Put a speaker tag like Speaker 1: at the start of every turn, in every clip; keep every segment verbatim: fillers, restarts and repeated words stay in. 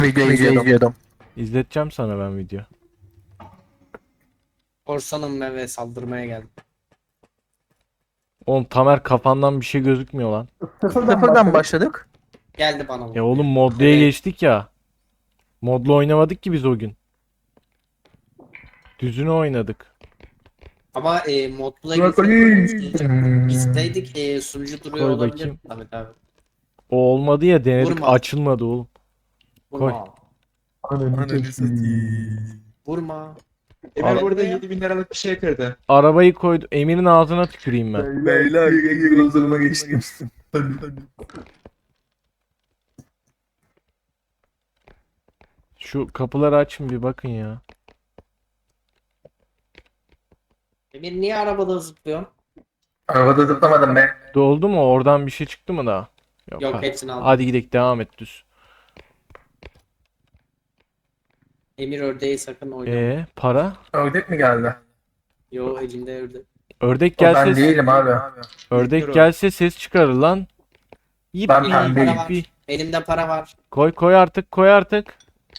Speaker 1: Video izliyordum.
Speaker 2: İzleteceğim sana ben video.
Speaker 3: Korsanım ve saldırmaya geldim.
Speaker 2: Oğlum Tamer kafandan bir şey gözükmüyor lan.
Speaker 1: Sıfırdan başladık.
Speaker 3: Geldi bana bu.
Speaker 2: Ya oğlum modluya
Speaker 3: Evet.
Speaker 2: geçtik ya. Modlu oynamadık ki biz o gün. Düzünü oynadık.
Speaker 3: Ama e, modla
Speaker 1: Bırakayım.
Speaker 3: gitseydik bizteydik e, sunucu duruyor
Speaker 2: Koy
Speaker 3: olabilir.
Speaker 2: bakayım.
Speaker 3: Tabii tabii.
Speaker 2: O olmadı ya, denedik,
Speaker 3: Vurma.
Speaker 2: açılmadı oğlum.
Speaker 3: Vurma.
Speaker 1: Ananı satayım.
Speaker 3: Vurma.
Speaker 4: Emir
Speaker 3: Abi.
Speaker 4: burada yedi bin liralık bir şey kırdı.
Speaker 2: Arabayı koydu. Emir'in ağzına tüküreyim ben.
Speaker 1: Beyler gözlerime geçtim. Hadi hadi.
Speaker 2: Şu kapıları açın bir bakın ya.
Speaker 3: Emir niye arabada zıplıyorsun?
Speaker 1: Arabada zıplamadım be.
Speaker 2: Doldu mu? Oradan bir şey çıktı mı daha?
Speaker 3: Yok
Speaker 2: ha-
Speaker 3: hepsini aldım.
Speaker 2: Hadi gidelim, devam et düz.
Speaker 3: Emir ördeği sakın oynama.
Speaker 2: Ee, para?
Speaker 1: Ördek mi geldi?
Speaker 3: Yo elinde ördek.
Speaker 2: Ördek
Speaker 1: O ben
Speaker 2: gelse
Speaker 1: değilim abi.
Speaker 2: ördek gelse ses çıkarır lan. Yip
Speaker 1: Ben
Speaker 2: yip
Speaker 1: pembeyim.
Speaker 2: yip yip.
Speaker 3: Elimde para var.
Speaker 2: Koy koy artık, koy artık.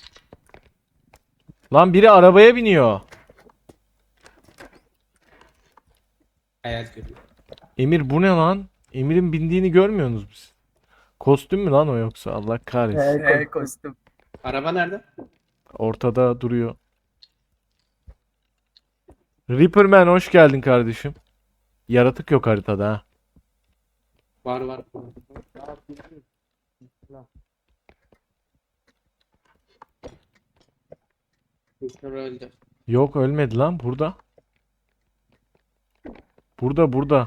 Speaker 2: Lan biri arabaya biniyor.
Speaker 3: Hayat görüyor.
Speaker 2: Emir bu ne lan? Emir'in bindiğini görmüyorsunuz biz. Kostüm mü lan o yoksa? Allah kahretsin.
Speaker 1: Hey kostüm.
Speaker 3: Araba nerede?
Speaker 2: Ortada duruyor. Reaperman hoş geldin kardeşim. Yaratık yok haritada ha.
Speaker 3: Var var. Kuşlar öldü.
Speaker 2: Yok, ölmedi lan burada. Burada burada.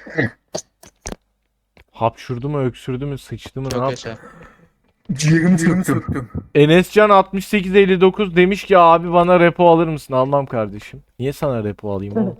Speaker 2: Hapşurdu mu, öksürdü mü, sıçtı mı, ne
Speaker 4: Çok
Speaker 2: yaptı?
Speaker 4: yaşa.
Speaker 1: Ciğerimi söktüm.
Speaker 2: Enescan altmış sekiz elli dokuz demiş ki abi bana repo alır mısın? Almam kardeşim. Niye sana repo alayım oğlum?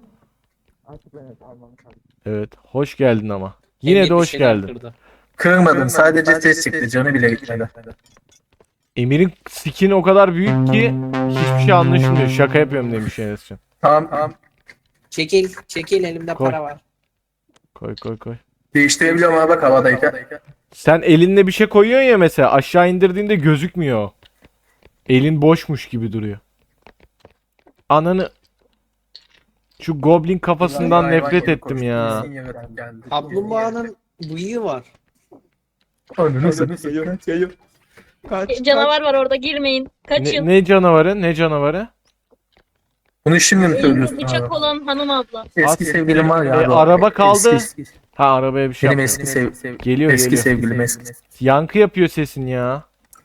Speaker 2: Evet, hoş geldin ama. Yine
Speaker 3: Emir
Speaker 2: de
Speaker 3: bir
Speaker 2: hoş
Speaker 3: şeyler
Speaker 2: geldin.
Speaker 3: kırdı.
Speaker 1: Kırmadım, sadece ses çıktı, canı bile gitmedi.
Speaker 2: Emir'in skin o kadar büyük ki hiçbir şey anlaşılmıyor. Şaka yapıyorum demiş Enescan.
Speaker 1: Tamam tamam.
Speaker 3: Çekil, çekil elimde
Speaker 2: Koy.
Speaker 3: para var.
Speaker 2: Koy koy koy.
Speaker 1: Değiştirebiliyorum abi bak havadayken.
Speaker 2: Sen elinde bir şey koyuyorsun ya mesela, aşağı indirdiğinde gözükmüyor. Elin boşmuş gibi duruyor. Ananı... Şu goblin kafasından
Speaker 1: Hayvan
Speaker 2: nefret
Speaker 1: gibi
Speaker 2: ettim
Speaker 1: koştu,
Speaker 2: ya.
Speaker 1: kesin yaratık geldi.
Speaker 3: Kaplumbağanın bıyığı var.
Speaker 1: Ananı satayım.
Speaker 4: Yayım, yayım. Kaç,
Speaker 5: E, Canavar var orada, girmeyin.
Speaker 2: Ne,
Speaker 5: Kaçın.
Speaker 2: ne canavarı? Ne canavarı?
Speaker 1: Bunu şimdi mi söylüyorsun
Speaker 5: Elinde bıçak
Speaker 1: abi?
Speaker 5: olan hanım abla.
Speaker 1: Eski sevgilim var ya
Speaker 2: E,
Speaker 1: abi.
Speaker 2: araba kaldı.
Speaker 1: Eski, eski.
Speaker 2: Ha, arabaya bir şey
Speaker 1: Benim
Speaker 2: yapmadım.
Speaker 1: eski sev
Speaker 2: Geliyor
Speaker 1: eski
Speaker 2: geliyor.
Speaker 1: sevgilim eski.
Speaker 2: Yankı yapıyor sesin ya.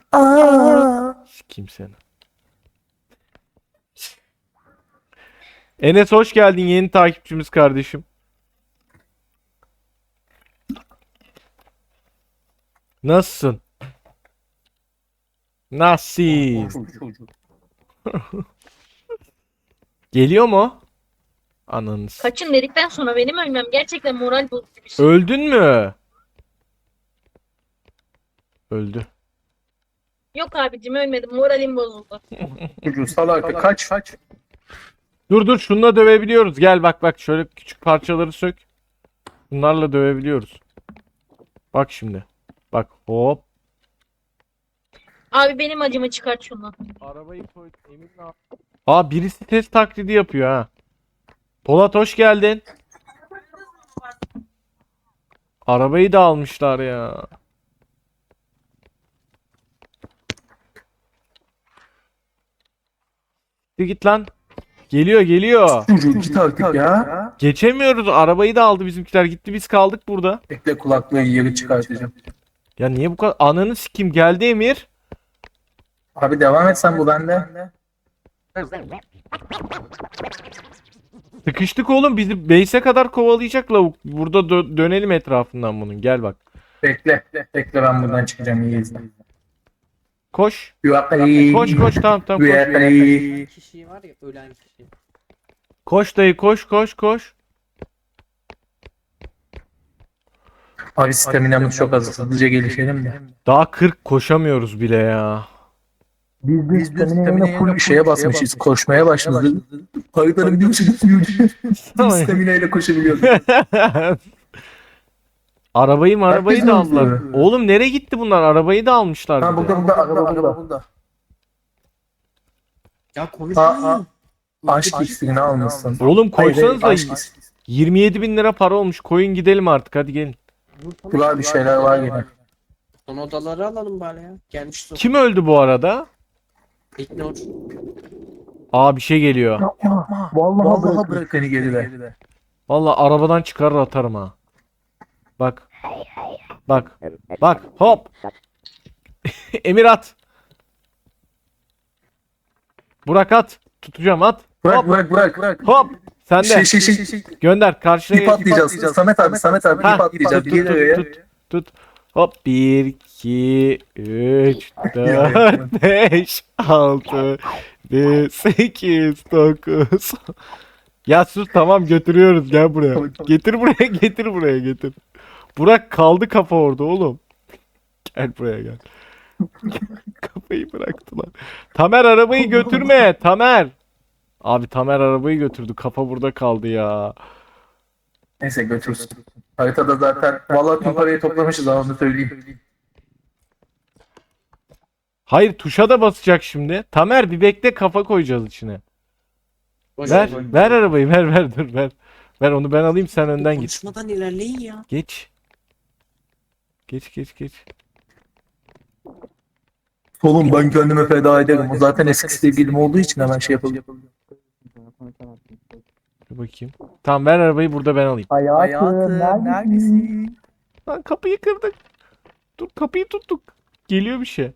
Speaker 2: Kim seni? Enes hoş geldin, yeni takipçimiz kardeşim. Nasılsın? Nasıl? Geliyor mu? Ananız.
Speaker 5: Kaçın dedikten sonra benim ölmem gerçekten moral bozucu bir şey.
Speaker 2: Öldün mü? Öldü.
Speaker 5: Yok abicim, ölmedim, moralim bozuldu.
Speaker 1: Çocuğu salak kaç kaç.
Speaker 2: Dur dur, şununla dövebiliyoruz. Gel bak bak, şöyle küçük parçaları sök. Bunlarla dövebiliyoruz. Bak şimdi. Bak hop.
Speaker 5: Abi benim acımı çıkart şundan.
Speaker 2: Arabayı koy. Emin ne yaptı? Aa, birisi test taklidi yapıyor ha. Polat hoş geldin. Arabayı da almışlar ya. Git git lan. Geliyor geliyor.
Speaker 1: Çocuğu git artık ya.
Speaker 2: Geçemiyoruz. Arabayı da aldı bizimkiler. Gitti, biz kaldık burada.
Speaker 1: Bekle kulaklığı yeri çıkartacağım.
Speaker 2: Ya niye bu kadar? Ananı sikim, geldi Emir.
Speaker 1: Abi devam et sen bu bende.
Speaker 2: Sıkıştık oğlum, bizi base'e kadar kovalayacak lavuk. Burada dö- dönelim etrafından bunun. Gel bak.
Speaker 1: Bekle. Bekle ben buradan çıkacağım iyi izle.
Speaker 2: Koş.
Speaker 1: Yuvarlayı.
Speaker 2: Koş koş, tamam tamam koş.
Speaker 1: Yuvarlayı.
Speaker 3: Kişi var ya, ölen kişi.
Speaker 2: Koş dayı, koş koş koş.
Speaker 1: Abi staminamız çok az. Hızlıca gelişelim de.
Speaker 2: Daha kırk koşamıyoruz bile ya.
Speaker 1: Biz de staminayla full şeye basmışız. Koşmaya başladık. Haritanın bir ucu gitmiyor. Biz staminayla koşabiliyoruz.
Speaker 2: Arabayı mı arabayı da
Speaker 1: Herkes
Speaker 2: aldılar.
Speaker 1: mi?
Speaker 2: Oğlum nereye gitti bunlar? Arabayı da almışlar
Speaker 1: Ha
Speaker 2: bir de.
Speaker 1: burada burada araba burada.
Speaker 3: Ya konuş.
Speaker 1: Aa, aa. Aşk iksirini almışsın.
Speaker 2: Oğlum
Speaker 1: Hayır, hayır,
Speaker 2: koysanız da
Speaker 1: aşk iksiri.
Speaker 2: yirmi yedi bin lira para olmuş. Koyun gidelim artık, hadi gelin.
Speaker 1: Kulağa bir şeyler var yine.
Speaker 3: Son odaları alalım bari ya. Gelmiş son.
Speaker 2: Kim öldü bu arada?
Speaker 3: İgnor.
Speaker 2: Aa, bir şey geliyor.
Speaker 1: Yapma. Vallahi, Vallahi bırak beni geride.
Speaker 2: Vallahi arabadan çıkarır atarım ha. Bak. Bak. Bak. Hop. Emir at. Burak at. Tutacağım, at.
Speaker 1: Bırak
Speaker 2: Hop.
Speaker 1: bırak bırak bırak.
Speaker 2: Hop. Sen de.
Speaker 1: Şey şey şey. şey.
Speaker 2: Gönder karşıya.
Speaker 1: İp atlayacağız. Samet abi Samet abi
Speaker 2: Ha,
Speaker 1: ip atlayacağız.
Speaker 2: tut,
Speaker 1: Gel
Speaker 2: tut,
Speaker 1: oraya.
Speaker 2: tut, tut. Hop. bir, iki, üç,
Speaker 1: Ya,
Speaker 2: dört, beş, altı, yedi, sekiz, dokuz. Ya sus, tamam, götürüyoruz, gel buraya.
Speaker 1: Tamam, tamam.
Speaker 2: Getir buraya, getir buraya, getir. Burak kaldı kafa orada oğlum. Gel buraya gel. Kafayı bıraktılar. Tamer arabayı götürme. Tamer. Abi Tamer arabayı götürdü. Kafa burada kaldı ya.
Speaker 1: Neyse götürsün. Haritada zaten vallahi tüm parayı toplamışız ama onu söyleyeyim.
Speaker 2: Hayır, tuşa da basacak şimdi. Tamer bir bekle, kafa koyacağız içine.
Speaker 3: Boş
Speaker 2: Ver,
Speaker 3: ver.
Speaker 2: ver arabayı, ver ver dur ver. Ver onu, ben alayım, sen önden git.
Speaker 3: Konuşmadan ilerleyin ya.
Speaker 2: Geç. Geç geç geç.
Speaker 1: Oğlum ben kendime feda ederim. O zaten eski sevgilim olduğu için hemen şey yapalım.
Speaker 2: Dur bakayım. Tamam, ver arabayı, burada ben alayım.
Speaker 1: Hayatım neredesin?
Speaker 2: Lan kapıyı kırdık. Dur, kapıyı tuttuk. Geliyor bir şey.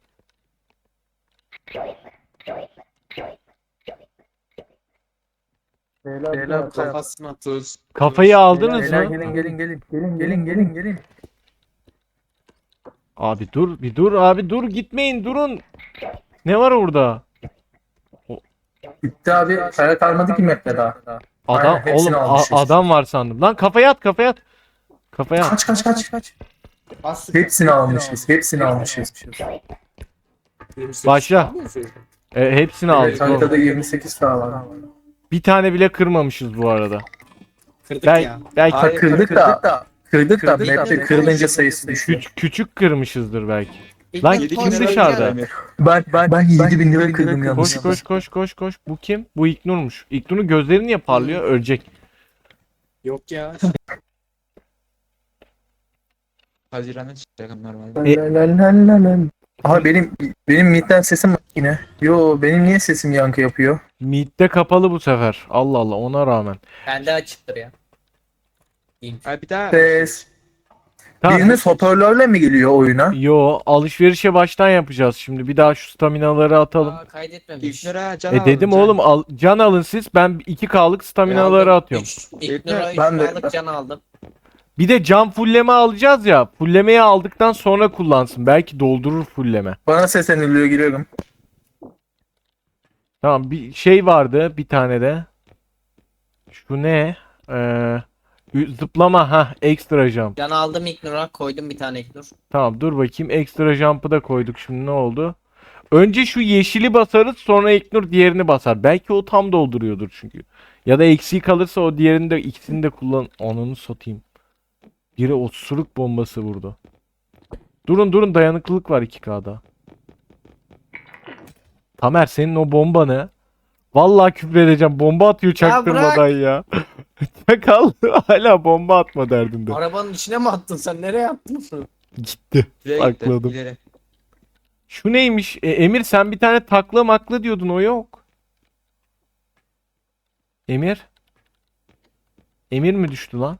Speaker 1: Beyler
Speaker 3: Kafasına
Speaker 4: Tuz.
Speaker 2: Kafayı aldınız
Speaker 1: Beyler
Speaker 2: mı?
Speaker 1: gelin gelin gelin. Gelin gelin gelin gelin.
Speaker 2: Abi dur, bir dur abi, dur, gitmeyin, durun. Ne var orada?
Speaker 1: Bitti abi. Kaya kalmadı ki map'te daha.
Speaker 2: Adam,
Speaker 1: Aynen, hepsini
Speaker 2: oğlum a-
Speaker 1: almışız.
Speaker 2: adam var sandım. Lan kafaya at, kafaya at. Kafaya at.
Speaker 1: Kaç kaç kaç kaç.
Speaker 3: Bas.
Speaker 1: Hepsini almışız. Hepsini almışız.
Speaker 2: Başla. E, hepsini
Speaker 1: Evet,
Speaker 2: aldık oğlum.
Speaker 1: haritada yirmi sekiz tane var.
Speaker 2: Bir tane bile kırmamışız bu arada.
Speaker 3: Kırdık
Speaker 2: Bel
Speaker 3: ya.
Speaker 2: belki
Speaker 4: Hayır,
Speaker 1: Kırdık da. Kırdık da
Speaker 3: Kırdık da
Speaker 1: map'te
Speaker 3: map'te
Speaker 1: kırılınca sayısı düşüyor.
Speaker 2: küç- küçük kırmışızdır belki.
Speaker 3: İlk
Speaker 2: Lan
Speaker 3: ben
Speaker 2: kim
Speaker 3: kontrol
Speaker 2: dışarıda?
Speaker 3: edeceğim.
Speaker 1: Ben ben ben yedi bin lira kırdım
Speaker 2: Koş
Speaker 1: yanlış.
Speaker 2: koş koş koş koş. Bu kim? Bu İknur'muş. İknur'un gözleri niye parlıyor? Ölecek.
Speaker 3: Yok ya.
Speaker 4: Haziran'da çıkacak normalde.
Speaker 2: E-
Speaker 1: Aha benim benim midden sesim var yine. Yo benim niye sesim yankı yapıyor?
Speaker 2: Mid'de kapalı bu sefer. Allah Allah, ona rağmen.
Speaker 3: Bende açıktır ya. İyiyim.
Speaker 4: Ay bir daha.
Speaker 1: Ses.
Speaker 2: Tamam.
Speaker 1: Biriniz hoparlörle mi geliyor oyuna?
Speaker 2: Yo, alışverişe baştan yapacağız şimdi. Bir daha şu staminaları atalım.
Speaker 3: Aa, kaydetmemiş.
Speaker 4: İlknur'a can
Speaker 2: E dedim
Speaker 4: alın, can.
Speaker 2: oğlum, al, can alın siz. Ben iki K'lık staminaları atıyorum.
Speaker 3: İlk lira üç
Speaker 1: Ben de-
Speaker 3: liralık can aldım.
Speaker 2: Bir de can fulleme alacağız ya. Fullemeyi aldıktan sonra kullansın. Belki doldurur fulleme.
Speaker 1: Bana sesleniliyor giriyorum.
Speaker 2: Tamam, bir şey vardı bir tane de. Şu ne? Ee, ü- zıplama, ha, ekstra jump.
Speaker 3: Can aldım ilk lira koydum bir tane ilk nur.
Speaker 2: Tamam, dur bakayım, ekstra jump'ı da koyduk, şimdi ne oldu? Önce şu yeşili basarız, sonra İlknur diğerini basar. Belki o tam dolduruyordur çünkü. Ya da eksiği kalırsa o diğerini de, ikisini de kullan. Ananı satayım. Biri osuruk bombası vurdu. Durun durun, dayanıklılık var iki K'da. Tamer, senin o bomba ne? Vallahi küfredeceğim. Bomba atıyor çaktırmadan ya. Çakal hala bomba atma derdinde.
Speaker 3: Arabanın içine mi attın sen? Nereye attın bunu?
Speaker 2: Gitti.
Speaker 4: İleri gitti,
Speaker 2: Sakladım.
Speaker 4: ileri.
Speaker 2: Şu neymiş? E, Emir, sen bir tane takla makla diyordun, o yok. Emir? Emir mi düştü lan?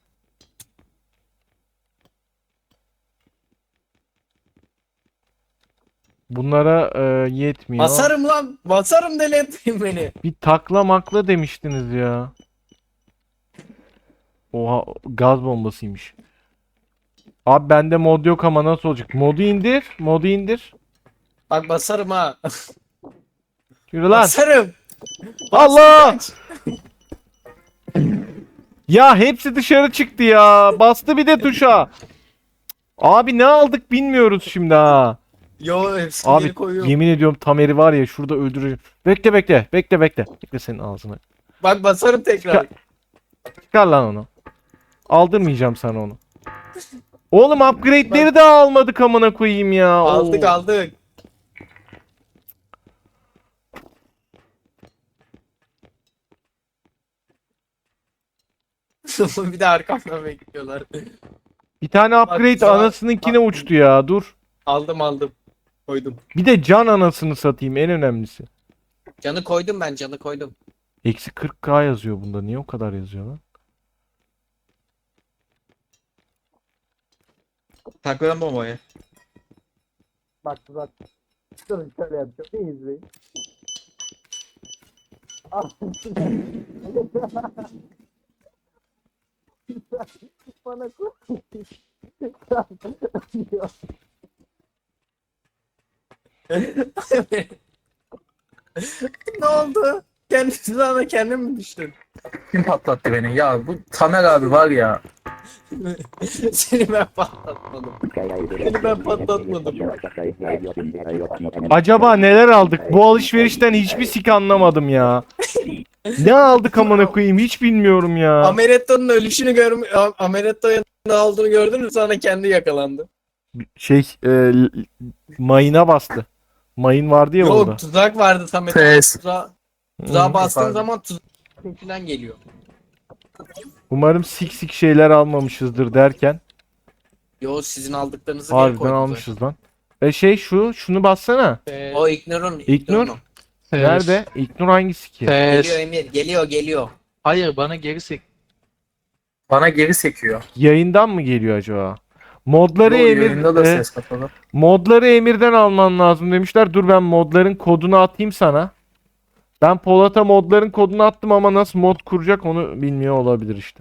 Speaker 2: Bunlara e, yetmiyor.
Speaker 3: Basarım lan. Basarım deli etmeyin beni.
Speaker 2: Bir takla makla demiştiniz ya. Oha, gaz bombasıymış. Abi bende mod yok ama nasıl olacak? Modu indir. Modu indir.
Speaker 3: Bak basarım ha.
Speaker 2: Yürü lan.
Speaker 3: Basarım.
Speaker 2: Allah! Ya hepsi dışarı çıktı ya. Bastı bir de tuşa. Abi ne aldık bilmiyoruz şimdi ha.
Speaker 3: Yo hepsini
Speaker 2: Abi
Speaker 3: geri koyuyorum.
Speaker 2: yemin ediyorum Tamer'i var ya şurada öldüreceğim. Bekle bekle. Bekle bekle. Bekle senin ağzına.
Speaker 3: Bak basarım tekrar.
Speaker 2: Çıkar lan onu. Aldırmayacağım sana onu. Oğlum upgrade'leri de almadık amına koyayım ya.
Speaker 3: Aldık
Speaker 2: Oo.
Speaker 3: aldık. Bir de arkamdan bekliyorlar.
Speaker 2: Bir tane upgrade
Speaker 3: Bak,
Speaker 2: anasınınkine
Speaker 3: bak.
Speaker 2: uçtu ya. Dur.
Speaker 3: Aldım aldım. Koydum.
Speaker 2: Bir de can anasını satayım en önemlisi.
Speaker 3: Canı koydum ben canı koydum.
Speaker 2: Eksi kırk K yazıyor bunda. Niye o kadar yazıyor lan?
Speaker 4: Takladım bombayı.
Speaker 1: Bak bak. Durun şöyle yapacağım. Bir izleyin. Bana koy.
Speaker 3: Ne oldu? Kendisi sana kendin mi düştün?
Speaker 1: Kim patlattı beni? Ya bu Tamer abi var ya.
Speaker 3: Seni ben patlatmadım. Seni ben patlatmadım.
Speaker 2: Acaba neler aldık? Bu alışverişten hiçbir sik anlamadım ya. Ne aldık amına koyayım hiç bilmiyorum ya.
Speaker 3: Amaretto'nun ölüşünü görmü Amaretto'nun ne olduğunu gördün mü? Sonra kendi yakalandı.
Speaker 2: Şey e, l- mayına bastı. Mayın vardı ya
Speaker 3: Yok
Speaker 2: orada.
Speaker 3: tuzak vardı Samet.
Speaker 1: Pes.
Speaker 3: Tuzağa, tuzağa
Speaker 2: Hı.
Speaker 3: bastığın
Speaker 1: Pardon.
Speaker 3: zaman tuzak falan geliyor.
Speaker 2: Umarım sik sik şeyler almamışızdır derken.
Speaker 3: Yo sizin aldıklarınızı geri
Speaker 2: Harbiden
Speaker 3: koydum
Speaker 2: almışız lan. E şey şu şunu bassana.
Speaker 3: zaten. O Ignor'un.
Speaker 2: İgnor? Nerede? İlknur hangisi ki?
Speaker 3: Geliyor Emir. Geliyor geliyor.
Speaker 6: Hayır bana geri sek.
Speaker 1: Bana geri sekiyor.
Speaker 2: Yayından mı geliyor acaba? Modları
Speaker 1: Yo,
Speaker 2: Emir
Speaker 1: yayında da
Speaker 2: e,
Speaker 1: ses kapalı.
Speaker 2: modları Emir'den alman lazım demişler. Dur ben modların kodunu atayım sana. Ben Polat'a modların kodunu attım ama nasıl mod kuracak onu bilmiyor olabilir işte.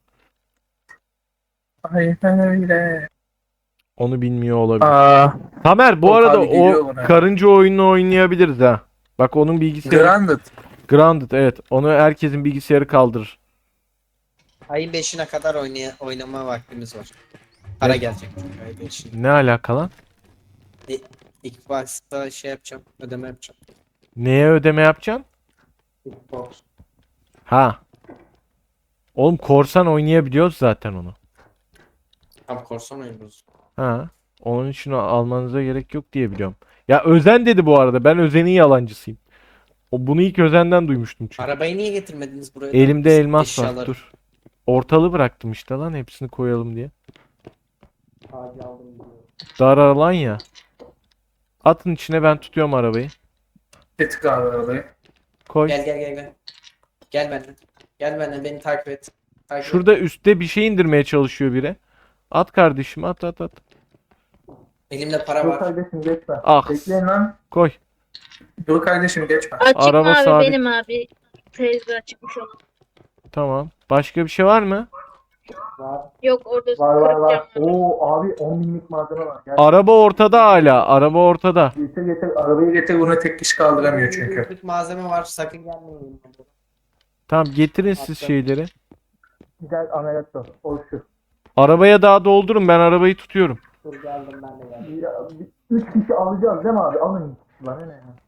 Speaker 1: Aynen öyle.
Speaker 2: Onu bilmiyor olabilir.
Speaker 1: Aa,
Speaker 2: Tamer bu
Speaker 1: Yok
Speaker 2: arada
Speaker 1: abi, geliyor
Speaker 2: o
Speaker 1: bana.
Speaker 2: karınca oyununu oynayabiliriz ha. Bak onun bilgisayarı
Speaker 1: Grounded.
Speaker 2: Grounded evet. Onu herkesin bilgisayarı kaldırır.
Speaker 3: Ayın beşine kadar oynaya oynama vaktimiz var. Para
Speaker 2: Ne?
Speaker 3: gelecek çünkü ayın beşinde.
Speaker 2: Ne alaka lan?
Speaker 3: İlk başta şey yapacağım. Ödeme yapacağım.
Speaker 2: Neye ödeme yapacaksın?
Speaker 3: Xbox.
Speaker 2: Ha. Oğlum korsan oynayabiliyoruz zaten onu.
Speaker 3: Tam korsan oynuyoruz.
Speaker 2: Ha. Onun için almanıza gerek yok diye biliyorum. Ya Özen dedi bu arada. Ben Özen'in yalancısıyım. O bunu ilk Özen'den duymuştum çünkü.
Speaker 3: Arabayı niye getirmediniz buraya?
Speaker 2: Elimde elmas var.
Speaker 3: Eşyaları.
Speaker 2: Dur. Ortalı bıraktım işte lan hepsini koyalım diye.
Speaker 3: Ağacı aldım diyor.
Speaker 2: Dar alan ya. Atın içine ben tutuyorum arabayı.
Speaker 1: Getir abi arabayı.
Speaker 2: Koy.
Speaker 3: Gel gel gel gel. Gel benden. Gel benden beni takip et. Takip et.
Speaker 2: Şurada üstte bir şey indirmeye çalışıyor biri. At kardeşim at at at.
Speaker 3: Elimde para
Speaker 1: Dur
Speaker 3: var.
Speaker 1: kardeşim geçme.
Speaker 2: Ah.
Speaker 1: Bekleyin lan.
Speaker 2: Koy.
Speaker 1: Dur kardeşim geçme.
Speaker 5: Açık
Speaker 2: Araba
Speaker 5: mavi
Speaker 2: sabit.
Speaker 5: benim abi. Teyze çıkmış olan.
Speaker 2: Tamam. Başka bir şey var mı?
Speaker 5: Yok orada
Speaker 1: Var var
Speaker 5: kırık
Speaker 1: var.
Speaker 5: cam var.
Speaker 1: Oo abi on binlik malzeme var. Gel.
Speaker 2: Araba ortada hala. Araba ortada.
Speaker 1: Getir getir. Arabayı getir. Bunu tek kişi kaldıramıyor çünkü.
Speaker 3: Büyüklük malzeme var. Sakın gelmeyin.
Speaker 2: Tamam getirin siz
Speaker 3: Attım.
Speaker 2: şeyleri.
Speaker 1: Gel ameliyatla. O şu.
Speaker 2: Arabaya daha doldurun ben arabayı tutuyorum.
Speaker 3: Dur geldim ben de geldim.
Speaker 1: Ya, bir- üç kişi alacağız değil mi abi? Alın. Bana ne ya?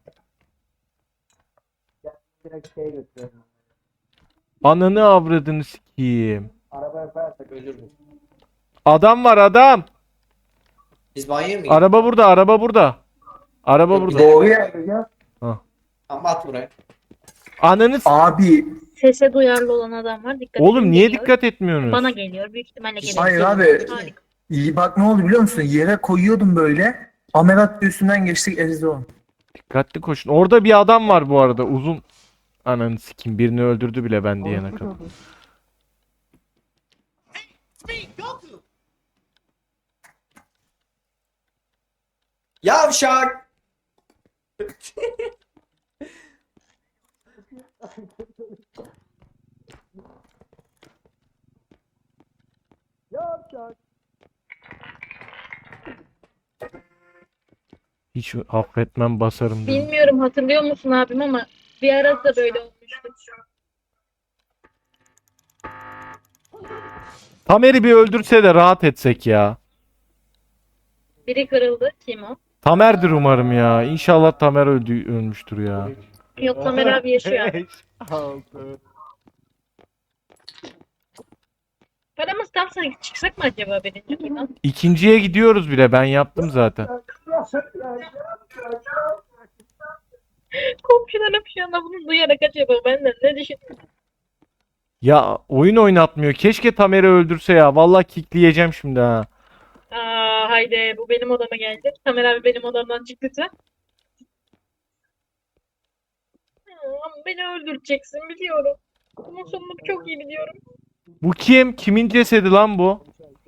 Speaker 3: Direkt şey götürüyorum.
Speaker 2: Ananı avradını sikeyim.
Speaker 3: Arabaya koyarsak ölürüz.
Speaker 2: Adam var adam.
Speaker 3: Biz banyoya mı gidelim?
Speaker 2: Araba burada araba burada. Araba
Speaker 3: Yok,
Speaker 2: burada.
Speaker 3: bir
Speaker 1: Doğru yerde gel.
Speaker 3: Ama at buraya.
Speaker 2: Ananı s-
Speaker 1: Abi.
Speaker 5: Sese duyarlı olan adam var. Dikkat
Speaker 2: Oğlum
Speaker 5: edin
Speaker 2: niye
Speaker 5: geliyor.
Speaker 2: dikkat etmiyorsunuz?
Speaker 5: Bana geliyor. Büyük ihtimalle geliyor.
Speaker 1: Hayır abi.
Speaker 5: Harika.
Speaker 1: İyi bak ne oldu biliyor musun? Yere koyuyordum böyle. Ameliyat üstünden geçtik ezdi onu.
Speaker 2: Dikkatli koşun. Orada bir adam var bu arada uzun. Ananı sikeyim birini öldürdü bile ben diyene kadar.
Speaker 3: Yavşak!
Speaker 2: Hiç affetmem basarım diyor.
Speaker 5: Bilmiyorum hatırlıyor musun abim ama bir ara da böyle olmuştu.
Speaker 2: Tamer'i bir öldürse de rahat etsek ya.
Speaker 5: Biri kırıldı. Kim o?
Speaker 2: Tamer'dir umarım ya. İnşallah Tamer öldü ölmüştür ya.
Speaker 5: Yok Tamer abi yaşıyor abi. Paramız tamsa çıksak mı acaba birinci turdan?
Speaker 2: İkinciye gidiyoruz bile. Ben yaptım zaten.
Speaker 5: Komşularım şu anda bunu duyarak acaba benden ne düşünüyor?
Speaker 2: Ya oyun oynatmıyor. Keşke Tamer'i öldürse ya. Vallahi kickleyeceğim şimdi ha.
Speaker 5: Aa haydi bu benim odama geldi. Tamer abi benim odamdan çıktı. Ama beni öldüreceksin biliyorum. Bunun sonunu çok iyi biliyorum.
Speaker 2: Bu kim? Kimin cesedi lan bu?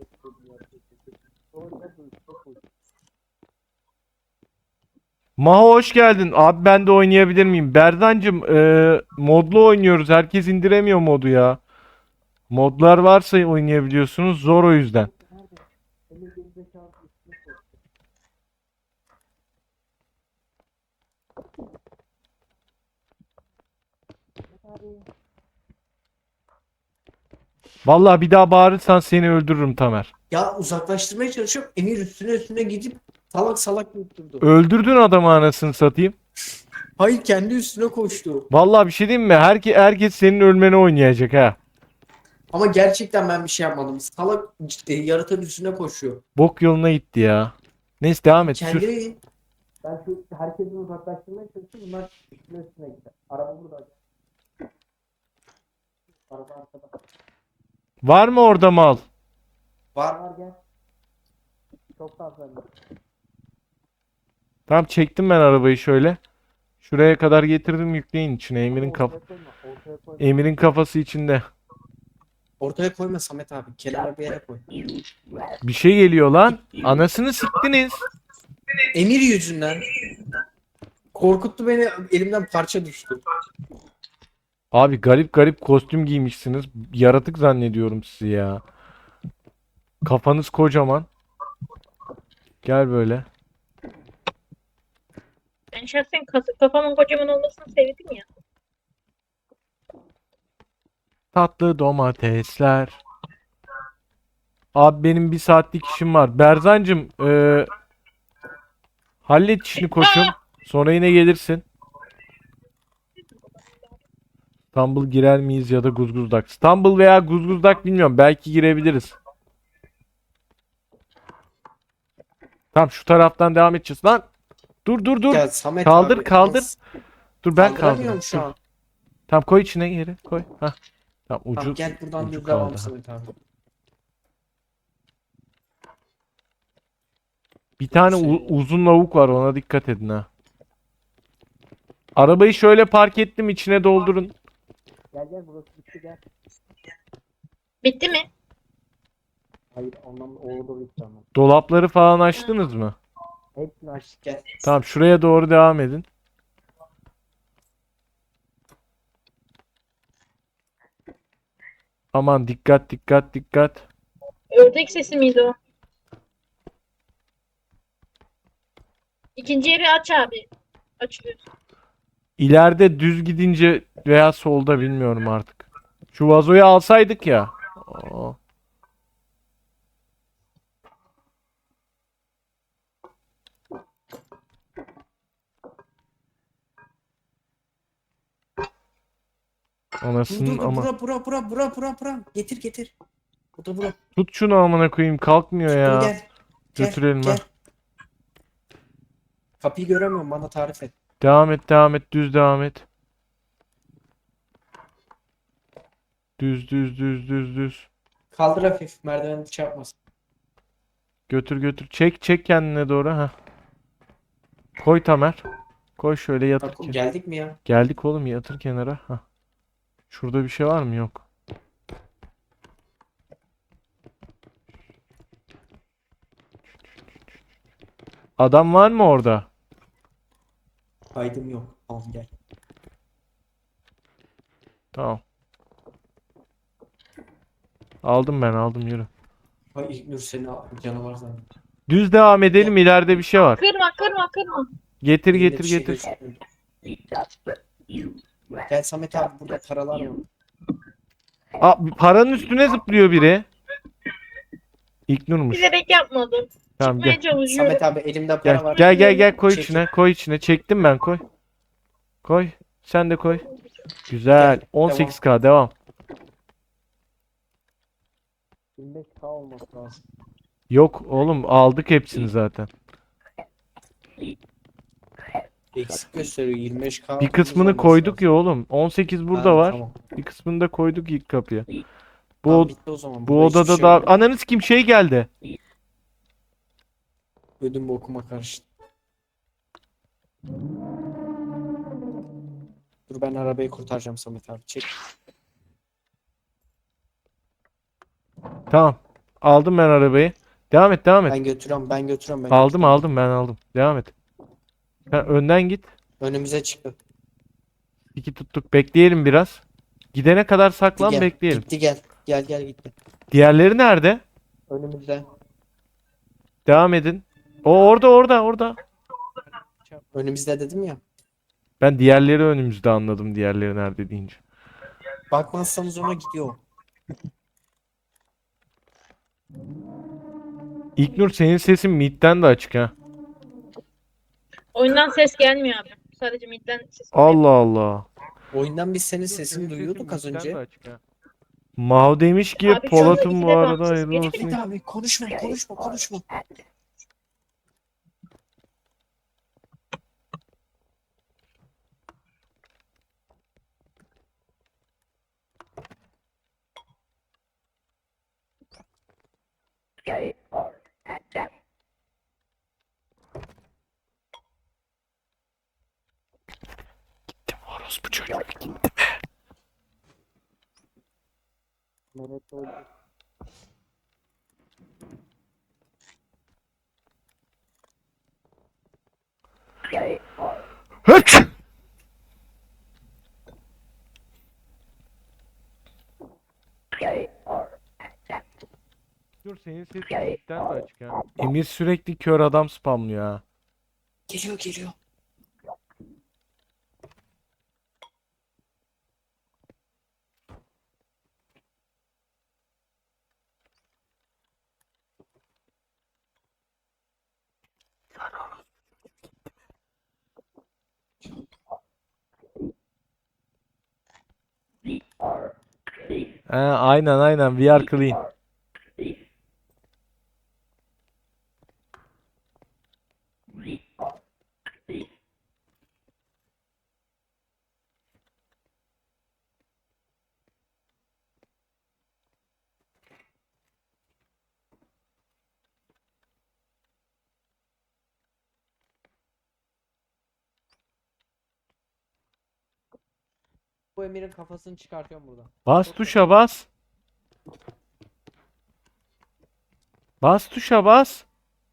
Speaker 2: Maho hoş geldin. Abi ben de oynayabilir miyim? Berdancım e, modlu oynuyoruz. Herkes indiremiyor modu ya. Modlar varsa oynayabiliyorsunuz. Zor o yüzden. Vallahi bir daha bağırırsan seni öldürürüm Tamer.
Speaker 3: Ya uzaklaştırmaya çalışıyorum. Emir üstüne üstüne gidip salak salak yutturdu.
Speaker 2: Öldürdün adamı anasını satayım.
Speaker 3: Hayır kendi üstüne koştu.
Speaker 2: Vallahi bir şey diyeyim mi? Herke, herkes senin ölmeni oynayacak ha.
Speaker 3: Ama gerçekten ben bir şey yapmadım. Salak e, yaratanın üstüne koşuyor.
Speaker 2: Bok yoluna gitti ya. Neyse devam et. Sür.
Speaker 3: Kendini ben şu herkesi uzaklaştırmaya çalışıyorum. Bunlar üstüne üstüne gider. Araba burada. Araba arkada.
Speaker 2: Var mı orada mal?
Speaker 3: Var var gel. Çok fazla.
Speaker 2: Tamam çektim ben arabayı şöyle. Şuraya kadar getirdim yükleyin içine. Emir'in kaf
Speaker 3: Ortaya koyma. Ortaya koyma.
Speaker 2: Emir'in kafası içinde.
Speaker 3: Ortaya koyma Samet abi. Kenara bir yere koy.
Speaker 2: Bir şey geliyor lan. Anasını siktiniz.
Speaker 3: Emir yüzünden korkuttu beni. Elimden parça düştü.
Speaker 2: Abi garip garip kostüm giymişsiniz. Yaratık zannediyorum sizi ya. Kafanız kocaman. Gel böyle.
Speaker 5: Ben şahsen kas- kafamın kocaman olmasını sevdim ya.
Speaker 2: Tatlı domatesler. Abi benim bir saatlik işim var. Berzancım eee hallet işini koçum. Sonra yine gelirsin. Stumble girer miyiz ya da Guzguzdak? Stumble veya Guzguzdak bilmiyorum. Belki girebiliriz. Tamam şu taraftan devam edeceğiz lan. Dur dur dur.
Speaker 3: Ya Samet
Speaker 2: Kaldır,
Speaker 3: abi.
Speaker 2: kaldır.
Speaker 3: nasıl-
Speaker 2: Dur ben
Speaker 3: Kaldıramıyorum
Speaker 2: kaldırayım.
Speaker 3: şu
Speaker 2: Dur.
Speaker 3: an.
Speaker 2: Tamam koy içine geri koy. Hah. Tamam ucu
Speaker 3: Tamam gel buradan
Speaker 2: ucu
Speaker 3: düz devam
Speaker 2: kaldı.
Speaker 3: Samet abi.
Speaker 2: Bir tane
Speaker 3: Şey-
Speaker 2: u- uzun lavuk var ona dikkat edin ha. Arabayı şöyle park ettim içine doldurun.
Speaker 3: Gel gel burası bitti gel.
Speaker 5: Bitti mi?
Speaker 3: Hayır ondan orada bitti ama.
Speaker 2: Dolapları falan açtınız mı?
Speaker 3: Hepsini açtık gel.
Speaker 2: Tamam şuraya doğru devam edin. Aman dikkat dikkat dikkat.
Speaker 5: Ördek sesi miydi o? İkinci yeri aç abi. Açıyoruz.
Speaker 2: İleride düz gidince veya solda bilmiyorum artık. Şu vazoyu alsaydık ya. Aa.
Speaker 3: Dur
Speaker 2: Anasının
Speaker 3: dur dur
Speaker 2: ama.
Speaker 3: bura bura bura bura bura bura. Getir getir. Bu da bura.
Speaker 2: Tut şunu amına koyayım kalkmıyor
Speaker 3: Dur
Speaker 2: ya.
Speaker 3: gel. Gel,
Speaker 2: Götürelim
Speaker 3: gel.
Speaker 2: ha.
Speaker 3: Kapıyı göremiyorum bana tarif et.
Speaker 2: Devam et devam et düz devam et. Düz düz düz düz düz.
Speaker 3: Kaldır hafif merdiveni çarpmasın.
Speaker 2: Götür götür. Çek çek kendine doğru ha. Koy Tamer. Koy şöyle yatır.
Speaker 3: Bak,
Speaker 2: ke-
Speaker 3: geldik mi ya?
Speaker 2: Geldik oğlum yatır kenara. Ha. Şurada bir şey var mı? Yok. Adam var mı orada?
Speaker 3: Kaydım yok. Al gel.
Speaker 2: Tamam. Aldım ben aldım yürü.
Speaker 3: Ay İlknur seni al- canavar zannediyor.
Speaker 2: Düz devam edelim ileride bir şey var.
Speaker 5: Kırma kırma kırma.
Speaker 2: Getir
Speaker 3: Elinde
Speaker 2: getir
Speaker 3: bir şey
Speaker 2: getir.
Speaker 3: gözükmüyor. Gel Samet abi burada paralar var.
Speaker 2: Aa, bir paranın üstüne zıplıyor biri. İlknur'muş.
Speaker 5: Bilerek yapmadım.
Speaker 2: Tamam
Speaker 5: Çıkmaya
Speaker 2: gel.
Speaker 5: çalışıyorum.
Speaker 3: Samet abi elimde para
Speaker 2: Gel
Speaker 3: var.
Speaker 2: gel gel gel koy
Speaker 3: Çekil.
Speaker 2: içine koy içine. Çektim ben koy. Koy. Sen de koy. Güzel.
Speaker 3: Gel,
Speaker 2: on sekiz K devam.
Speaker 3: yirmi beş K olması lazım.
Speaker 2: Yok oğlum aldık hepsini zaten.
Speaker 3: Eksik gösteriyor yirmi beş K.
Speaker 2: Bir kısmını koyduk ya oğlum. on sekiz burada
Speaker 3: Ha,
Speaker 2: var.
Speaker 3: tamam.
Speaker 2: Bir kısmını da koyduk ilk kapıya. Bu
Speaker 3: Tamam,
Speaker 2: od-
Speaker 3: bitti o zaman.
Speaker 2: bu
Speaker 3: Burada hiçbir
Speaker 2: odada
Speaker 3: şey
Speaker 2: da
Speaker 3: yok.
Speaker 2: ananız kim şey geldi.
Speaker 3: Ödüm bokuma karıştı. Dur ben arabayı kurtaracağım Samet abi. Çek.
Speaker 2: Tamam. Aldım ben arabayı. Devam et, devam et.
Speaker 3: Ben götürüyorum ben götürüyorum ben
Speaker 2: Aldım
Speaker 3: götürüyorum.
Speaker 2: aldım ben aldım. Devam et. Sen önden git.
Speaker 3: Önümüze çıktı.
Speaker 2: İki tuttuk. Bekleyelim biraz. Gidene kadar
Speaker 3: Gitti
Speaker 2: saklan
Speaker 3: gel.
Speaker 2: bekleyelim.
Speaker 3: Gitti gel. Gel gel gitti.
Speaker 2: Diğerleri nerede?
Speaker 3: Önümüzde.
Speaker 2: Devam edin. O orada orada orada.
Speaker 3: Önümüzde dedim ya.
Speaker 2: Ben diğerleri önümüzde anladım diğerleri nerede deyince.
Speaker 3: Bakmazsanız ona gidiyor.
Speaker 2: İlknur senin sesin midden de açık ha.
Speaker 5: Oyundan ses gelmiyor abi. Sadece midden ses geliyor.
Speaker 2: Allah Allah.
Speaker 3: Oyundan biz senin sesini duyuyorduk az önce.
Speaker 2: Maho demiş ki
Speaker 5: Abi şu anda
Speaker 2: Polat'ın
Speaker 5: ikide
Speaker 2: bu
Speaker 5: bir
Speaker 2: arada
Speaker 5: bağımsız
Speaker 2: hayırlı
Speaker 5: geliyor.
Speaker 2: olsun.
Speaker 3: Bir abi konuşma konuşma konuşma.
Speaker 2: Gittim orospu çocuğu gittim. Hıç! Dur senin sesin midden de açık ha. Emir sürekli kör adam spamlıyor ha.
Speaker 3: Geliyor geliyor.
Speaker 2: Ha, aynen aynen we are clean.
Speaker 3: Bu Emir'in kafasını çıkartıyorum buradan.
Speaker 2: Bas tuşa bas. Bas tuşa bas.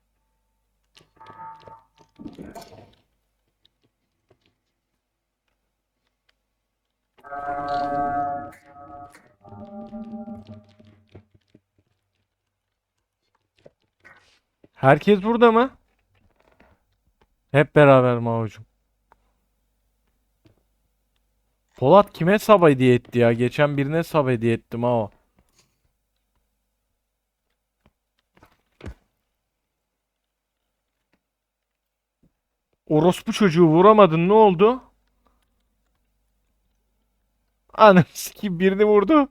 Speaker 2: Herkes burada mı? Hep beraber Maho'cum. Polat kime sub hediye etti ya? Geçen birine sub hediye ettim ha o. Orospu çocuğu vuramadın ne oldu? Anam sikeyim birini vurdu.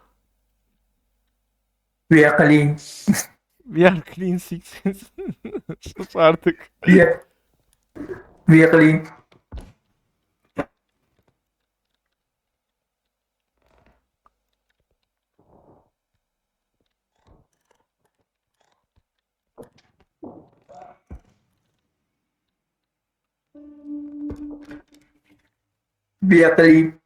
Speaker 1: We are clean.
Speaker 2: We are clean six. Sus artık.
Speaker 1: We are, we are clean. We are clean.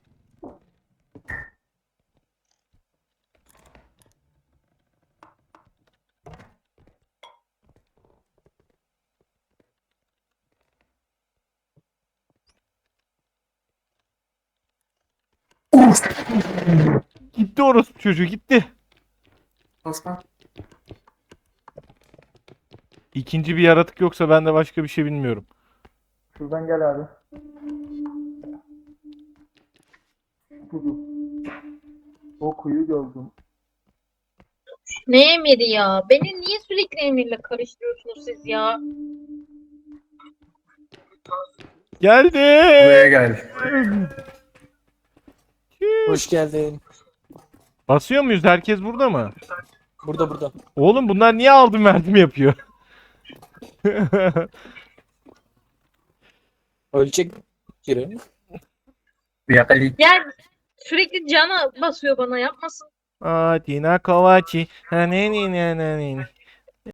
Speaker 2: Gitti orospu çocuğu gitti.
Speaker 1: Osman.
Speaker 2: İkinci bir yaratık yoksa ben de başka bir şey bilmiyorum.
Speaker 1: Şuradan gel abi. O kuyu gördüm.
Speaker 5: Ne emiri ya? Beni niye sürekli emirle karıştırıyorsunuz siz ya?
Speaker 2: Geldi.
Speaker 1: Buraya gel.
Speaker 3: Hoş geldin.
Speaker 2: Basıyor muyuz? Herkes burada mı?
Speaker 3: Burada burada.
Speaker 2: Oğlum bunlar niye aldım verdim yapıyor?
Speaker 4: Ölecek biri.
Speaker 1: Yakali.
Speaker 5: Ya sürekli cana basıyor bana yapmasın.
Speaker 2: Aa, Tina Kovaci. Ha, ne ne ne ne ne.